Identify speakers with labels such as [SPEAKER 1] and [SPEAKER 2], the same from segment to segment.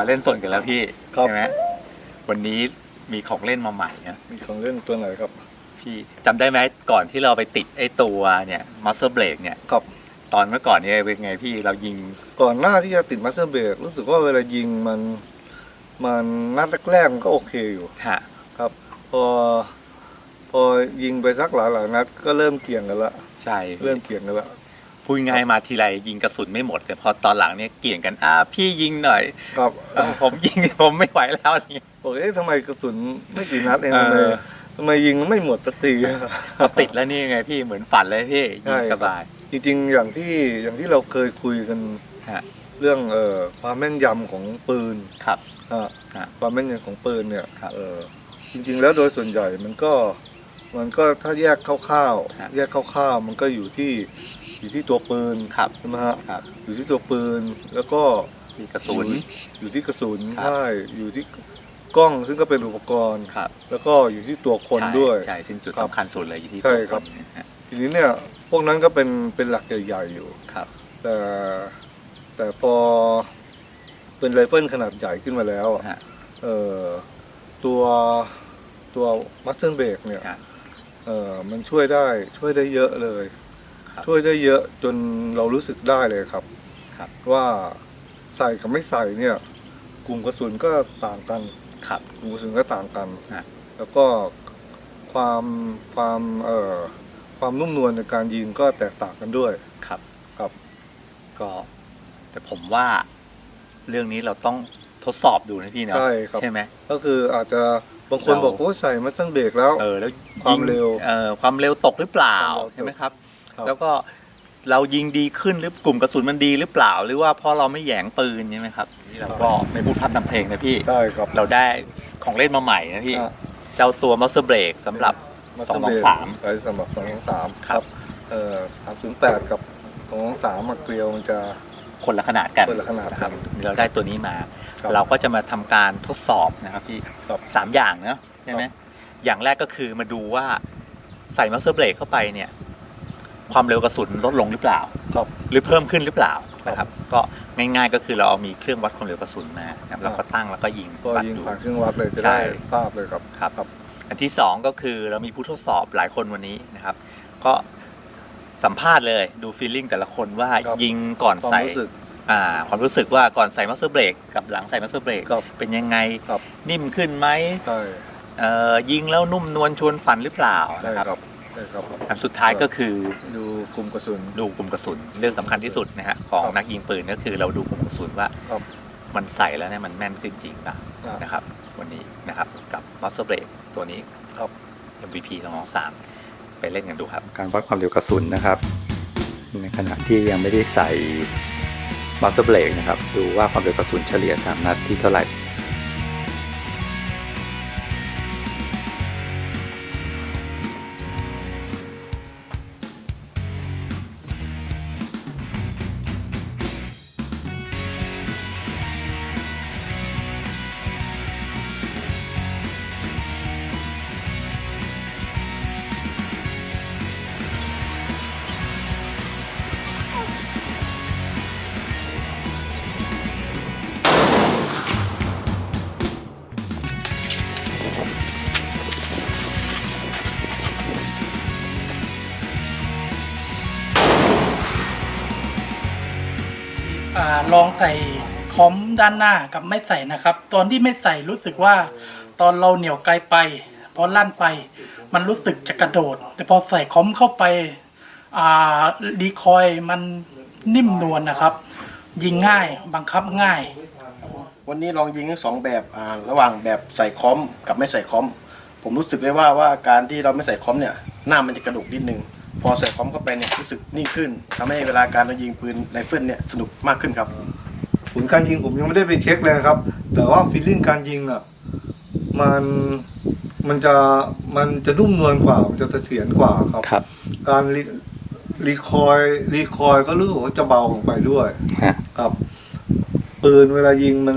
[SPEAKER 1] มาเล่นสนกันแล้วพี่
[SPEAKER 2] ครับ
[SPEAKER 1] ใช่ไหมวันนี้มีของเล่นมาใหม่นะ
[SPEAKER 2] มีของเล่นตัวไหนครับ
[SPEAKER 1] พี่จำได้ไหมก่อนที่เราไปติดไอ้ตัวเนี่ยมัสเตอร์เบรกเนี่ย
[SPEAKER 2] ครับ
[SPEAKER 1] ตอนเมื่อก่อนเนี่ยเป็นไงพี่เรายิง
[SPEAKER 2] ก่อนหน้าที่จะติดมาสเตอร์เบรกรู้สึกว่าเวลายิงมันนัดแรกๆมันก็โอเคอยู่
[SPEAKER 1] ฮะ
[SPEAKER 2] ครับ พอยิงไปสักหลายนัดก็เริ่มเกี่ยงกันละ
[SPEAKER 1] ใช่
[SPEAKER 2] เริ่มเกี่ยงกันละ
[SPEAKER 1] พูดง่ายมาทีไรยิงกระสุนไม่หมดแต่พอตอนหลังเนี่ยเกี่ยงกันพี่ยิงหน่อย
[SPEAKER 2] ครับ
[SPEAKER 1] ผมยิง ผมไม่ไหวแล้วนี่
[SPEAKER 2] บอกทำไมกระสุนไม่กี่นัดเอง
[SPEAKER 1] เออ
[SPEAKER 2] ทำไมยิงไม่หมดสักที
[SPEAKER 1] พอติดแล้วนี่ไงพี่เหมือนฝันเลยพี่ยิงสบาย
[SPEAKER 2] จริงๆอย่างที่เราเคยคุยกัน
[SPEAKER 1] ฮะ
[SPEAKER 2] เรื่องความแม่นยำของปืน
[SPEAKER 1] ครับ ฮะ
[SPEAKER 2] ความแม่นยำของปืนเนี่ย
[SPEAKER 1] ครับ
[SPEAKER 2] จริงๆแล้วโดยส่วนใหญ่มันก็ถ้าแยกคร่าว
[SPEAKER 1] ฮะ
[SPEAKER 2] ๆแยกคร่าวๆมันก็อยู่ที่ตัวปืน
[SPEAKER 1] ครับ
[SPEAKER 2] ใช่ไหมฮะ
[SPEAKER 1] ครับ
[SPEAKER 2] อยู่ที่ตัวปืนแล้วก็
[SPEAKER 1] มีกระสุน
[SPEAKER 2] อยู่ที่กระสุน
[SPEAKER 1] ครับ
[SPEAKER 2] ใช่อยู่ที่กล้องซึ่งก็เป็นอุปกรณ์
[SPEAKER 1] ครับ
[SPEAKER 2] แล้วก็อยู่ที่ตัวคน
[SPEAKER 1] ใช่
[SPEAKER 2] ด้วย
[SPEAKER 1] ใช่ซึ่งจุด
[SPEAKER 2] ครับ
[SPEAKER 1] สำคัญสุดเลยอยู่ที่
[SPEAKER 2] ใช่
[SPEAKER 1] ตัว
[SPEAKER 2] ครับ
[SPEAKER 1] นนะฮะ
[SPEAKER 2] ทีนี้เนี่ยพวกนั้นก็เป็นหลักใหญ่ๆอยู่
[SPEAKER 1] ครับ
[SPEAKER 2] แต่พอเป็นไรเฟิลขนาดใหญ่ขึ้นมาแล้วอะ
[SPEAKER 1] ฮะ
[SPEAKER 2] ตัวมัสเตอร์เบรกเนี่ย
[SPEAKER 1] ฮะ
[SPEAKER 2] มันช่วยได้เยอะเลย
[SPEAKER 1] ครับ
[SPEAKER 2] ช่วยได้เยอะจนเรารู้สึกได้เลยครับ
[SPEAKER 1] ครับ
[SPEAKER 2] ว่าใส่กับไม่ใส่เนี่ย กลุ่มกระสุนก็ต่างกัน
[SPEAKER 1] ครับ
[SPEAKER 2] กลุ่มกระสุนก็ต่างกัน
[SPEAKER 1] ฮะ
[SPEAKER 2] แล้วก็ความนุ่มนวลในการยิงก็แตกต่างกันด้วย
[SPEAKER 1] ครับ
[SPEAKER 2] ครับ
[SPEAKER 1] ก็แต่ผมว่าเรื่องนี้เราต้องทดสอบดูนะพี่เนาะ
[SPEAKER 2] ใช่ครับ
[SPEAKER 1] ใช่ไหม
[SPEAKER 2] ก็คืออาจจะบางคนบอกว่าใส่มัสเตอร์เบรกแล้ว
[SPEAKER 1] แล้ว
[SPEAKER 2] ความเร็ว
[SPEAKER 1] ความเร็วตกหรือเปล่า
[SPEAKER 2] ความเร็วตก
[SPEAKER 1] ใช่ไหมครับ
[SPEAKER 2] ครับ
[SPEAKER 1] แล้วก็เรายิงดีขึ้นหรือกลุ่มกระสุนมันดีหรือเปล่า หรือว่าเพราะเราไม่แหยงปืนใช่ไหมครับนี่เราก็ไม่พูดพร่ำทำเพลงนะพี่
[SPEAKER 2] ใช่ครับ
[SPEAKER 1] เราได้ของเล่นมาใหม่นะพี่
[SPEAKER 2] อ่ะ
[SPEAKER 1] เจ้าตัวมัสเตอร์เบรกสำหรับ 223
[SPEAKER 2] ใช้สำหรับ223
[SPEAKER 1] ครับ
[SPEAKER 2] 308 กับ223มาเกลียวมันจะ
[SPEAKER 1] คนละขนาดกัน
[SPEAKER 2] คนละขนาด
[SPEAKER 1] นะครับ
[SPEAKER 2] กัน
[SPEAKER 1] เราได้ตัวนี้มา
[SPEAKER 2] ครับ
[SPEAKER 1] เราก็จะมาทำการทดสอบนะครับพี่
[SPEAKER 2] ครับ
[SPEAKER 1] 3 อย่างเนาะใช่ไหม
[SPEAKER 2] ครับ
[SPEAKER 1] อย่างแรกก็คือมาดูว่าใส่มัสเตอร์เบรกเข้าไปเนี่ย ความเร็วกระสุนลดลงหรือเปล่า
[SPEAKER 2] ครับ
[SPEAKER 1] หรือเพิ่มขึ้นหรือเปล่า
[SPEAKER 2] ครับ
[SPEAKER 1] นะครับ ก็ง่ายๆก็คือเราเอามีเครื่องวัดความเร็วกระสุนมานะครับแล้วก็ตั้งแล้วก็ยิง
[SPEAKER 2] ก็
[SPEAKER 1] วัด
[SPEAKER 2] ยิง
[SPEAKER 1] ดู
[SPEAKER 2] ผ่านเครื่องวัดเลยจะ
[SPEAKER 1] ใช่
[SPEAKER 2] ได้ทราบเลยครับ
[SPEAKER 1] ครับ อันที่สองก็คือเรามีผู้ทดสอบหลายคนวันนี้นะครับ ก็สัมภาษณ์เลยดูฟีลลิ่งแต่ละคนว่า
[SPEAKER 2] ครับ
[SPEAKER 1] ยิงก่อน
[SPEAKER 2] ความ
[SPEAKER 1] ใส่
[SPEAKER 2] รู้สึก
[SPEAKER 1] ความรู้สึกว่าก่อนใส่มัสเตอร์เบรกกับหลังใส่มัสเตอร์เบรก
[SPEAKER 2] ครับ
[SPEAKER 1] เป็นยังไง
[SPEAKER 2] ครับ
[SPEAKER 1] นิ่มขึ้นไหม
[SPEAKER 2] ใช่
[SPEAKER 1] ยิงแล้วนุ่มนวลชวนฝันหรือเปล่า
[SPEAKER 2] ใช่
[SPEAKER 1] นะครับ
[SPEAKER 2] ใช่ครับ
[SPEAKER 1] อันสุดท้ายก็คือ
[SPEAKER 2] ดูกลุ่มกระสุน
[SPEAKER 1] ดูกลุ่มกระสุนเรื่องสำคัญที่สุดนะฮะของ
[SPEAKER 2] ครับ
[SPEAKER 1] นักยิงปืนก็คือเราดูกลุ่มกระสุนว่า
[SPEAKER 2] ครับ
[SPEAKER 1] มันใส่แล้วเนี่ยมันแม่นขึ้นจริงป่ะ
[SPEAKER 2] ครับ
[SPEAKER 1] นะครับวันนี้นะครับกับมัสเตอร์เบรกตัวนี้
[SPEAKER 2] ครับ
[SPEAKER 1] MVP 223ไปเล่นกันดูครับการวัดความเร็วกระสุนนะครับในขณะที่ยังไม่ได้ใส่มัสเตอร์เบรกนะครับดูว่าความเร็วกระสุนเฉลี่ย3นัดที่เท่าไหร่
[SPEAKER 3] ลองใส่คอมด้านหน้ากับไม่ใส่นะครับ ตอนที่ไม่ใส่รู้สึกว่าตอนเราเหนี่ยวไกลไปพอลั่นไป มันรู้สึกจะกระโดด แต่พอใส่คอมเข้าไปดีคอยมันนิ่มนวลนะครับ ยิงง่ายบังคับง่าย
[SPEAKER 4] วันนี้ลองยิงทั้งสองแบบระหว่างแบบใส่คอมกับไม่ใส่คอมผมรู้สึกได้ว่าการที่เราไม่ใส่คอมเนี่ยหน้ามันจะกระดุกนิดนึงพอใส่คอมเข้าไปเนี่ยรู้สึกนิ่งขึ้นทำให้เวลาการเรายิงปืนไรเฟิลเนี่ยสนุกมากขึ้นครับ
[SPEAKER 2] ผลการยิงผมยังไม่ได้ไปเช็คเลยครับ แต่ว่าฟีลลิ่งการยิงอ่ะมันจะนุ่มนวลกว่ามันจะเสถียรกว่าครับ
[SPEAKER 1] ครับ
[SPEAKER 2] การรีคอยก็รู้สึกว่าจะเบาลงไปด้วย
[SPEAKER 1] ฮะ
[SPEAKER 2] ครับปืนเวลายิงมัน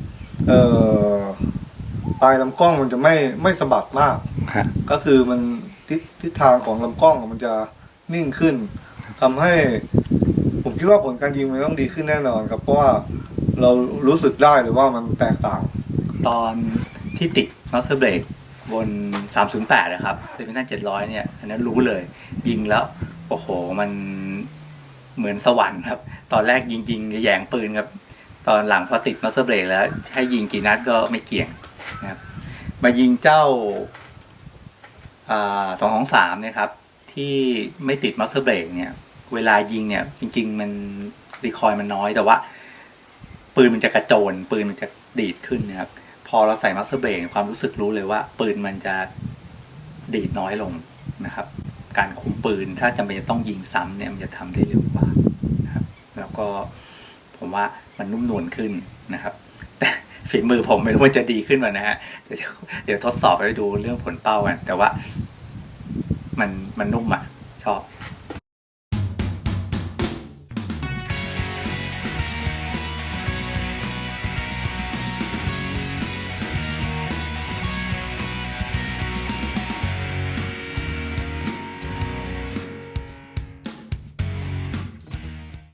[SPEAKER 2] ปลายลำกล้องมันจะไม่สะบัดมาก
[SPEAKER 1] ฮะ
[SPEAKER 2] ก็คือมันทิศทางของลำกล้องมันจะนิ่งขึ้นทำให้ผมคิดว่าผลการยิงมันต้องดีขึ้นแน่นอนครับเพราะว่าเรารู้สึกได้เลยว่ามันแตกต่าง
[SPEAKER 1] ตอนที่ติดมัสเตอร์เบรกบน 308 นะครับเป็นพินัน700 เนี่ยอันนั้นรู้เลย ยิงแล้วโอ้โหมันเหมือนสวรรค์ครับ ตอนแรกยิงแยงปืนครับ ตอนหลังพอติดมัสเตอร์เบรกแล้วให้ยิงกี่นัดก็ไม่เกี่ยงนะครับมายิงเจ้า223เนี่ยครับที่ไม่ติดมัสเตอร์เบรกเนี่ยเวลายิงเนี่ยจริงๆมันรีคอยล์มันน้อยแต่ว่าปืนมันจะกระโจนปืนมันจะดีดขึ้นนะครับพอเราใส่มัสเตอร์เบรกความรู้สึกรู้เลยว่าปืนมันจะดีดน้อยลงนะครับการคุมปืนถ้าจำเป็นจะต้องยิงซ้ำเนี่ยมันจะทำได้เร็วกว่านะครับแล้วก็ผมว่ามันนุ่มนวลขึ้นนะครับแต่ฝีมือผมไม่รู้ว่าจะดีขึ้นไหมนะฮะเดี๋ยวทดสอบไปดูเรื่องผลเป้ากันแต่ว่ามันนุ่มอ่ะชอบ